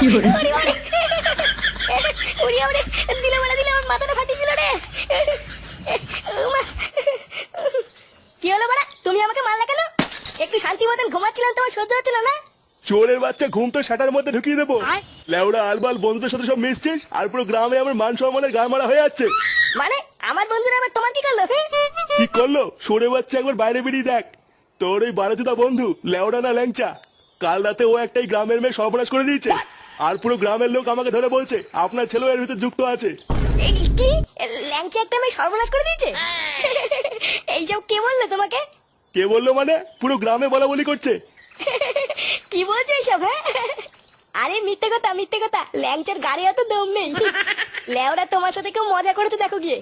ওরে ওরে ওরে ওরে দিলে বলে দিলে আমার মাথাটা ফাটিয়ে দিল রে। উমা। কি হলো বড়া, তুমি আমাকে মারলে কেন? একটু শান্তি মতন ঘুমাচ্ছিলাম, তোমার সহ্য হচ্ছে না না? চোরের বাচ্চা, ঘুম তো শাটার মধ্যে ঢুকিয়ে দেবো। লেউড়া আলবাল বন্ধুদের সাথে সব মিশছিস, আর পুরো গ্রামে আমার মান সম্মানের গা মারা হয়ে যাচ্ছে। মানে আমার বন্ধুরা আবার তোমার কি করলো? কি করলো? সরে বাচ্চা একবার বাইরে বেরিয়ে দেখ। তোর ওই বারোজুদা বন্ধু লেউড়া না ল্যাংচা, কাল রাতে ও একটাই গ্রামের মেয়ে সর্বনাশ করে দিয়েছে। আর পুরো গ্রামের লোক আমাকে ধরে বলছে আপনার ছেলেও এর ভিতরে যুক্ত আছে। কি ল্যাংচা একটা মেয়ে সর্বনাশ করে দিয়েছে? এইসব কে বললো তোমাকে? কে বললো মানে? পুরো গ্রামে বলা বলি করছে। কি বলছো এইসব? হ্যাঁ, আরে মিথ্যে কথা মিথ্যে কথা, ল্যাংচার গাড়ি অত দম নেই। লেওরা তোমার সাথে কেউ মজা করেছে দেখো গিয়ে।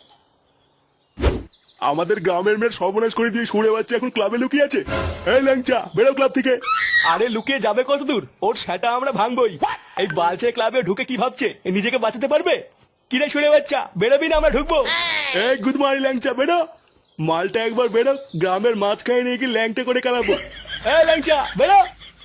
আমাদের গ্রামের মেয়ের সর্বনাশ করে দিয়ে সরে বাচ্চা এখন ক্লাবে লুকিয়ে আছে। এই ল্যাংচা, বেরো ক্লাব থেকে। আরে লুকিয়ে যাবে কত দূর? ওর সেটা আমরা ভাঙবই। এই বালছে ক্লাবে ঢুকে কি ভাবছে নিজেকে বাঁচাতে পারবে? কিরে সরে বাচ্চা, বেরোবি না আমরা ঢুকবো? এই গুড মর্নিং ল্যাংচা, বেরো। মালটা একবার বেরো, গ্রামের মাঝখানে নিয়ে কি ল্যাংটা করে খেলাবো। এই ল্যাংচা বেরো।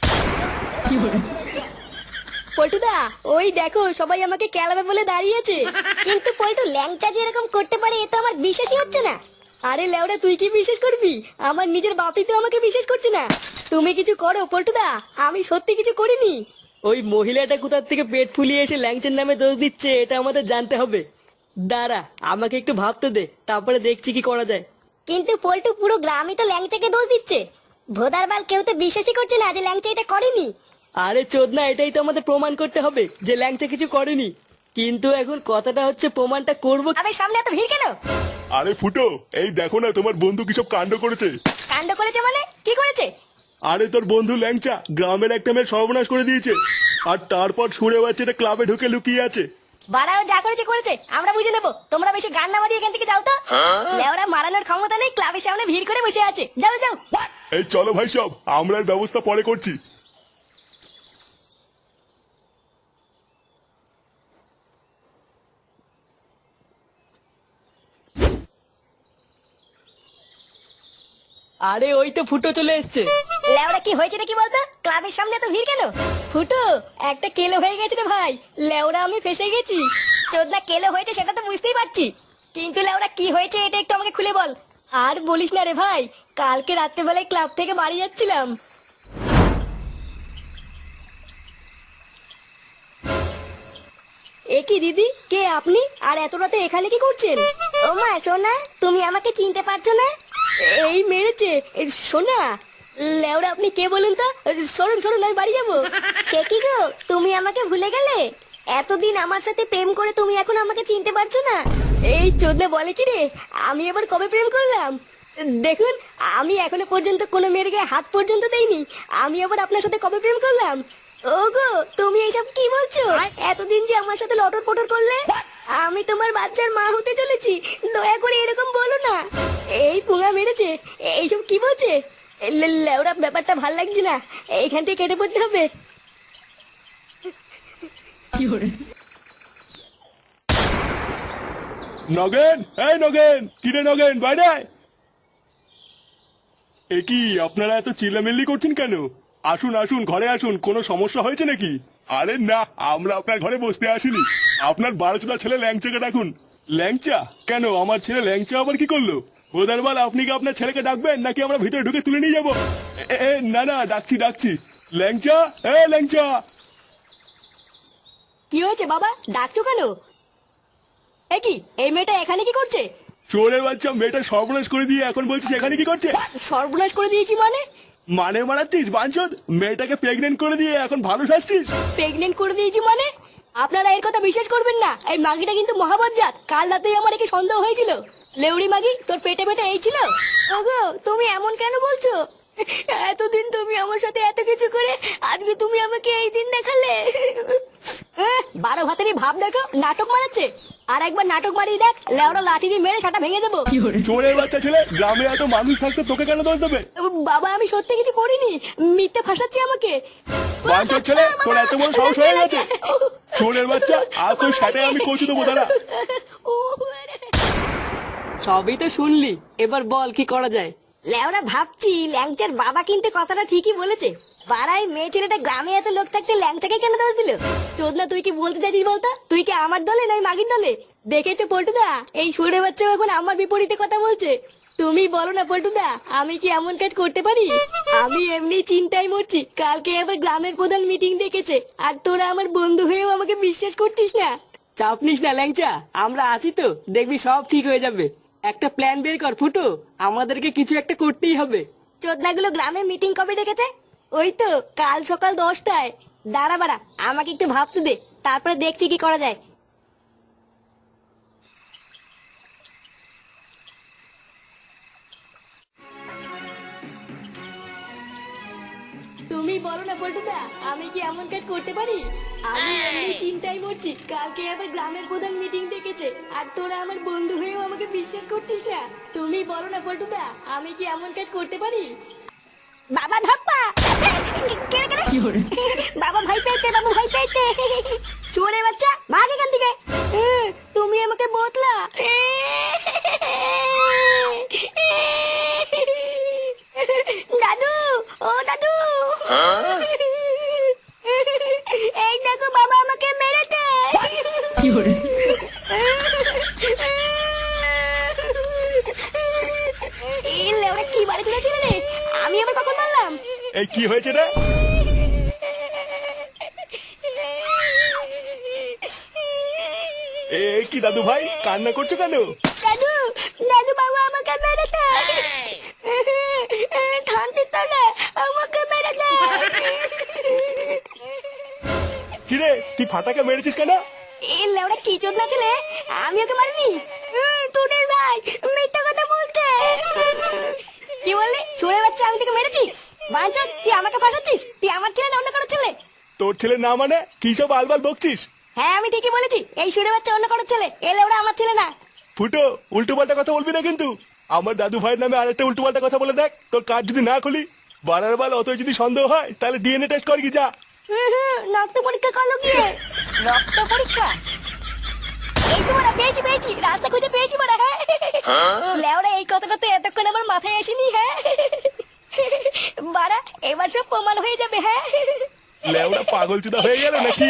পল্টুদা, ওই দেখো সবাই আমাকে কেলাবে বলে দাঁড়িয়েছে। কিন্তু পল্টু, ল্যাংচা যে এরকম করতে পারে এ তো আমার বিশ্বাসই হচ্ছে না। আরে লেওরা, তুই কি বিশ্বাস করবি? আমার নিজের বাপই তো আমাকে বিশ্বাস করছে না। তুমি কিছু করো পল্টুদা, আমি সত্যি কিছু করিনি। ওই মহিলাটা কোথার থেকে পেট ফুলিয়ে এসে ল্যাংচার নামে দোষ দিচ্ছে এটা আমাদের জানতে হবে। দাঁড়া, আমাকে একটু ভাবতে দে, তারপরে দেখছি কি করা যায়। কিন্তু পল্টু, পুরো গ্রামই তো ল্যাংচাকে দোষ দিচ্ছে। ভোদার বাল, কেউ তো বিশ্বাসই করছে না যে ল্যাংচা এটা করেনি। আরে চোদনা, এটাই তো আমাদের প্রমাণ করতে হবে যে ল্যাংচা কিছু করেনি। কিন্তু এখন কথাটা হচ্ছে প্রমাণটা করবো। আবে সামনে এত ভিড় কেন? আরে ফুটো, এই দেখো না তোমার বন্ধু কি সব কাণ্ড করেছে। কাণ্ড করেছে মানে কি করেছে? আরে তোর বন্ধু ল্যাংচা গ্রামের একটা মেয়ের সর্বনাশ করে দিয়েছে, আর তারপর সরে বাচ্চাটা ক্লাবে ঢুকে লুকিয়ে আছে। বাড়াও, যা করেছে করেছে, আমরা বুঝে নেবো। তোমরা বেশি গান না মারিয়ে এখান থেকে যাও তো। লেওরা মারানোর ক্ষমতা নেই, ক্লাবের সামনে ভিড় করে বসে আছে। যাও যাও। এই চলো ভাই, সব আমরা এর ব্যবস্থা পরে করছি। আরে ওই তো ফুটো চলে এসছে। লেওরা, কি হয়েছে নাকি বলতো? ক্লাবের সামনে এত ভিড় কেন? ফুটো, একটা কেলো হয়ে গেছে রে ভাই। লেওরা, আমি ফেসে গেছি। চোদনা, কেলো হয়েছে সেটা তো বুঝতেই পারছি, কিন্তু লেওরা কি হয়েছে এটা একটু আমাকে খুলে বল। আর বলিস না রে ভাই, কালকে রাত্রেবেলায় ক্লাব থেকে বাড়ি যাচ্ছিলাম। এ কি দিদি, কে আপনি? আর এত রাতে এখানে কি করছেন? ও মা সোনা, তুমি আমাকে চিনতে পারছো না? এই মেরেছে সোনা। লেওরা, আপনি কে বলুন তো? সরুন সরুন, আমি বাড়ি যাবো। সে কি গো, তুমি আমাকে ভুলে গেলে? এতদিন আমার সাথে প্রেম করে তুমি এখন আমাকে চিনতে পারছো না? এই চোদনা বলে কি রে, আমি এবার কবে প্রেম করলাম? দেখুন, আমি এখনো পর্যন্ত কোনো মেয়ের গায়ে হাত পর্যন্ত দেইনি। আমি আবার আপনার সাথে কবে প্রেম করলাম? ওগো, তুমি এইসব কি বলছো? এতদিন যে আমার সাথে লটর পটর করলে, আমি তোমার বাচ্চার মা হতে চলেছি। দয়া করে এরকম বলো না। এই পুঙা মেরেছে, এইসব কি বলছে? লেওরা, ব্যাপারটা ভাল লাগছে না, এইখান থেকে কেটে পড়তে হবে। নগেন, এই নগেন, কিরে নগেন, বাইরে আয়। এ কি আপনারা এত চিল্লামিল্লি করছেন কেন? আসুন আসুন, ঘরে আসুন, কোনো সমস্যা হয়েছে নাকি? আরে না, আমরা আপনার ঘরে বসতে আসিনি। আপনার বারোচোদা ছেলে ল্যাংচাকে ডাকুন। ল্যাংচা? কেন, আমার ছেলে ল্যাংচা আবার কি করলো? বোধারবাল, আপনি কি আপনার ছেলেকে ডাকবেন নাকি আমরা ভিতরে ঢুকে তুলে নিয়ে যাবো? না না, ডাকছি ডাকছি। ল্যাংচা, ল্যাংচা। কি হয়েছে বাবা, ডাকছো কেন? এ কি, এই মেয়েটা এখানে কি করছে? চোরের বাচ্চা, মেয়েটা সর্বনাশ করে দিয়ে এখন বলছিস এখানে কি করছে? সর্বনাশ করে দিয়েছি মানে? মানে মারাচ্ছিস বাঞ্চদ? মেয়েটাকে প্রেগনেন্ট করে দিয়ে এখন ভালো শাসছিস? প্রেগনেন্ট করে দিয়েছি মানে? আপনারা এর কথা বিশ্বাস করবেন না, এই মাগিটা কিন্তু মহাবজ্জাত। কাল রাতেই আমার একে সন্দেহ হয়েছিল। লেউড়ি মাগি, তোর পেটে পেটে এই ছিল? ওগো, তুমি এমন কেন বলছো? এতদিন তুমি আমার সাথে এত কিছু করে আজকে তুমি আমাকে এই দিন দেখালে। 12 ভাতেরই ভাব দেখো, নাটক মারাচ্ছে। আর একবার নাটক মারিয়ে দেখ, লেওড়া লাঠি দিয়ে মেরে সেটা ভেঙে দেবো। চোরের বাচ্চা ছেলে, গ্রামে এত মানুষ থাকতে তোকে কেন দোষ দেবে? বাবা, আমি সত্যি কিছু করিনি, মিথ্যে ফাঁসাচ্ছি আমাকে। বাঞ্চদ ছেলে, তোর এত বড় সাহস হয়ে গেছে? চোরের বাচ্চা, আজ তোর সাথে আমি কচু দেবো, দাঁড়া। সবই তো শুনলি, এবার বল কি করা যায়। লেওরা, ভাবছি ল্যাংচার বাবা কিন্তু কথাটা ঠিকই বলেছে। পাড়ায় মেয়ে ছেলেটা গ্রামে এত লোক থাকতে ল্যাংচাকে কেন দোষ দিল? চোদনা তুই কি বলতে চাইছিস বলতো? তুই কি আমার দলে নয় মাগির দলে? দেখেছো পল্টুদা, এই সুরে বাচ্চা এখন আমার বিপরীতে কথা বলছে। তুমি বলো না পল্টুদা, আমি কি এমন কাজ করতে পারি? আমি এমনি চিন্তায় মরছি, কালকে আবার গ্রামের প্রধান মিটিং ডেকেছে, আর তোরা আমার বন্ধু হয়েও আমাকে বিশ্বাস করছিস না। চাপ নিস না ল্যাংচা, আমরা আছি তো, দেখবি সব ঠিক হয়ে যাবে। একটা প্ল্যান বের কর ফুটো, আমাদেরকে কিছু একটা করতেই হবে। চোদনাগুলো গ্রামে মিটিং কবে ডেকেছে? ওই তো কাল সকাল 10টায়। দাঁড়া বাড়া, আমাকে একটু ভাবতে দে, তারপরে দেখছি কি করা যায়। তুমি বলো না পল্টুদা, আমি কি এমন কাজ করতে পারি? আমি এমনি চিন্তায় মরছি, কালকে আবার গ্রামের প্রধান মিটিং ডেকেছে, আর তোরা আমার বন্ধু হয়েও আমাকে বিশ্বাস করছিস না। তুমি বলো না পল্টুদা, আমি কি এমন কাজ করতে পারি? বাবা ধাপ্পা, কেড়ে কেড়ে বাবা ভাই পেয়েছে, বাবা ভাই পেয়েছে। চোরে বাচ্চা, ভাগ এখান থেকে। তুমি আমাকে বতলা। দাদু, ও দাদু, এই দেখো বাবা আমাকে মেরেছে। ওরা কি বাড়ি চলেছিল রে? আমি আবার কখন মারলাম? এই কি হয়েছে রে? এ কি দাদু ভাই, কান্না করছো কেন? দাদু, দাদু বাবা আমাকে মেরেছে। খান্তির তলে আমাকে মেরেছে। কিরে, তুই ফাটাকে মেরেছিস কেন? ওরা কি চোদনা ছেলে, আমি ওকে মারিনি। তোদের ভাই মিথ্যা কথা বলতে। কি বললি? ছোড়ে বাচ্চা, আমি তোকে মেরেছি? বাঞ্চদ, তুই আমাকে ফাটাচ্ছিস? তুই আমার ছেলে না অন্য কারো ছেলে? তোর ছেলে না মানে কি সব আলবাল বকছিস? হ্যাঁ আমি ঠিকই বলেছি, এই সুরে বাচ্চা অন্য কারো ছেলে, ওরা আমার ছেলে না। ফুটো, উল্টো পাল্টা কথা বলবি না কিন্তু। আমার দাদু ভাইয়ের নামে আরেকটা উল্টো পাল্টা কথা বলে দেখ, তোর কার্ড যদি না খুলি। বারার বাল অত যদি সন্দেহ হয় তাহলে ডিএনএ টেস্ট কর কি যা। রক্ত পরীক্ষা করলো গিয়ে। রক্ত পরীক্ষা? এই তো বড়া, পেয়েছি পেয়েছি, রাস্তা খুঁজে পেয়েছি বড়া। হ্যাঁ লেওরা, এই কথাটা তো এতক্ষণ আমার মাথায় আসেনি। হ্যাঁ বাড়া, এবার সব প্রমাণ হয়ে যাবে। হ্যাঁ লেওড়া পাগল চুদা হয়ে গেল নাকি?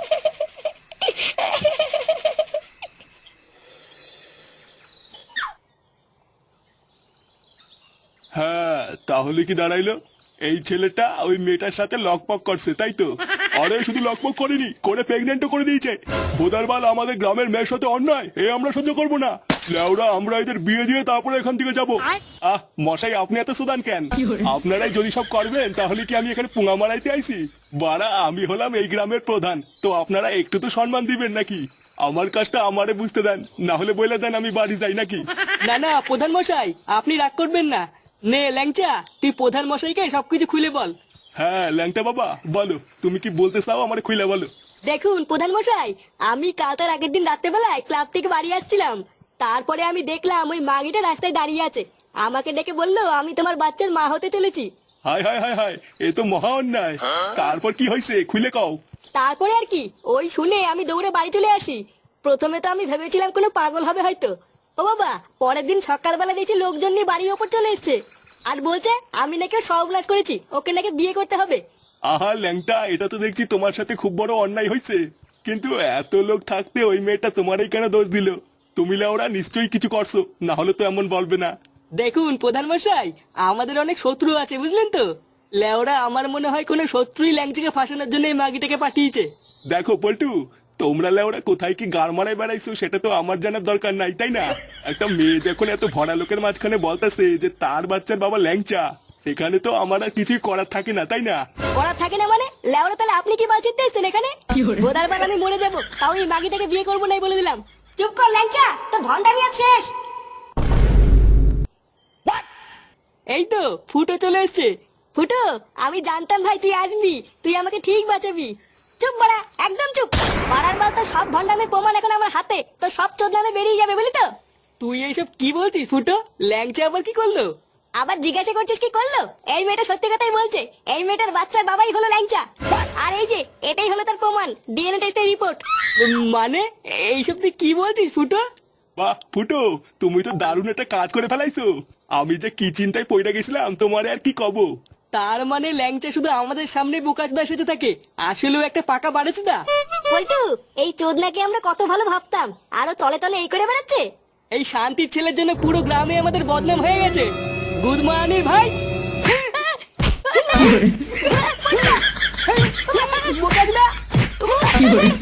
হ্যাঁ, তাহলে কি দাঁড়াইলো? এই ছেলেটা ওই মেয়েটার সাথে লকপক করছে, তাই তো? আরে শুধু লকপক করেনি, করে প্রেগনেন্টও করে দিয়েছে। ভোদারবাল আমাদের গ্রামের মেয়ের সাথে অন্যায়, এ আমরা সহ্য করবো না। লেওড়া, আমরা এদের বিয়ে দিয়ে তারপরে এখান থেকে যাবো। মশাই, আপনি এত সুদান কেন? আপনারাই যদি সব করবেন তাহলে কি আমি এখানে পুঙা মারাইতে আইছি? বাড়া, আমি হলাম এই গ্রামের প্রধান, তো আপনারা একটু তো সম্মান দিবেন নাকি? আমার কাজটা আমারে বুঝতে দেন, না হলে বলে দেন আমি বাড়ি যাই নাকি? না না প্রধান মশাই, আপনি রাগ করবেন না। নে ল্যাংচা, তুই প্রধান মশাইকে সবকিছু খুলে বল। হ্যাঁ ল্যাংটা বাবা, বলো তুমি কি বলতে চাও, আমার খুলে বলো। দেখুন প্রধান মশাই, আমি কাল তার আগের দিন রাত্রেবেলায় ক্লাব থেকে বাড়ি আসছিলাম। তারপরে আমি দেখলাম ওই মাগিটা রাস্তায় দাঁড়িয়ে আছে। আমাকে ডেকে বললো আমি তোমার বাচ্চার মা হতে চলেছি। হায় হায় হায় হায়, এ তো মহা অন্যায়। তারপর কি হয়েছে খুলে কও। তারপরে আর কি, ওই শুনে আমি দৌড়ে বাড়ি চলে আসি। প্রথমে তো আমি ভেবেছিলাম কোনো পাগল হবে হয়তো। ও বাবা, পরের দিন সকালবেলা দেখছি লোকজন নিয়ে বাড়ির ওপর চলে এসছে, আর বলছে আমি নাকি সর্বনাশ করেছি, ওকে নাকি বিয়ে করতে হবে। আহা ল্যাংটা, এটা তো দেখছি তোমার সাথে খুব বড় অন্যায় হয়েছে। কিন্তু এত লোক থাকতে ওই মেয়েটা তোমারই কেন দোষ দিল? তুমি লেওরা নিশ্চয়ই কিছু করছো, না হলে তো এমন বলবে না। দেখুন প্রধান মশাই, আমাদের অনেক শত্রু আছে বুঝলেন তো। লেওরা, আমার মনে হয় কোনো শত্রুই ল্যাংচাকে ফাঁসানোর জন্য এই মাগিটাকে পাঠিয়েছে। দেখো পল্টু, তোমরা লেওরা কোথায় কি গাড় মারায় বেড়াইছো সেটা তো আমার জানার দরকার নাই, তাই না? একটা মেয়ে যখন এত ভরা লোকের মাঝখানে বলতেছে যে তার বাচ্চার বাবা ল্যাংচা, এখানে তো আমার আর কিছুই করার থাকে না, তাই না? করার থাকে না মানে? লেওরা, তাহলে আপনি কি বাঁচিয়ে এসছেন এখানে? বোধার বার আমি মরে যাবো, তাও এই মাগিটাকে বিয়ে করবো নাই বলে দিলাম। চুপ কর ল্যাংচা, তো ভন্ডামি আর শেষ। এই তো ফুটো চলে এসছে। ফুটো, আমি জানতাম ভাই তুই আসবি, তুই আমাকে ঠিক বাঁচাবি। চুপ বড়া, একদম চুপ। পাড়ার বার তো সব ভন্ডামের প্রমাণ এখন আমার হাতে, তো সব চোদনামে বেরিয়ে যাবে বুঝলি তো। তুই এইসব কি বলছিস ফুটো? ল্যাংচা আবার কি করলো? আবার জিজ্ঞাসা করছিস কি করলো? এই মেয়েটা সত্যি কথাই বলছে, এই মেয়েটার বাচ্চার বাবাই হলো ল্যাংচা। আর এই যে এটাই হলো তার প্রমাণ, ডিএনএ টেস্টের রিপোর্ট। মানে এইসব তুই কি বলছিস ফুটো? বাহ ফুটো, তুমি তো দারুণ একটা কাজ করে ফেলাইছো। আমি যে কি চিন্তায় পড়ে গেছিলাম তোমারে আর কি কব। তার মানে ল্যাংচা শুধু আমাদের সামনে বোকাচোদা সেজে থাকে, আসলেও একটা পাকা বাড়েচোদা। পল্টু, এই চোদনাকে আমরা কত ভালো ভাবতাম, আরো তলে তলে এই করে বেড়াচ্ছে। এই শান্তির ছেলের জন্য পুরো গ্রামে আমাদের বদনাম হয়ে গেছে। গুড মর্নিং ভাই। বোকাচোদা!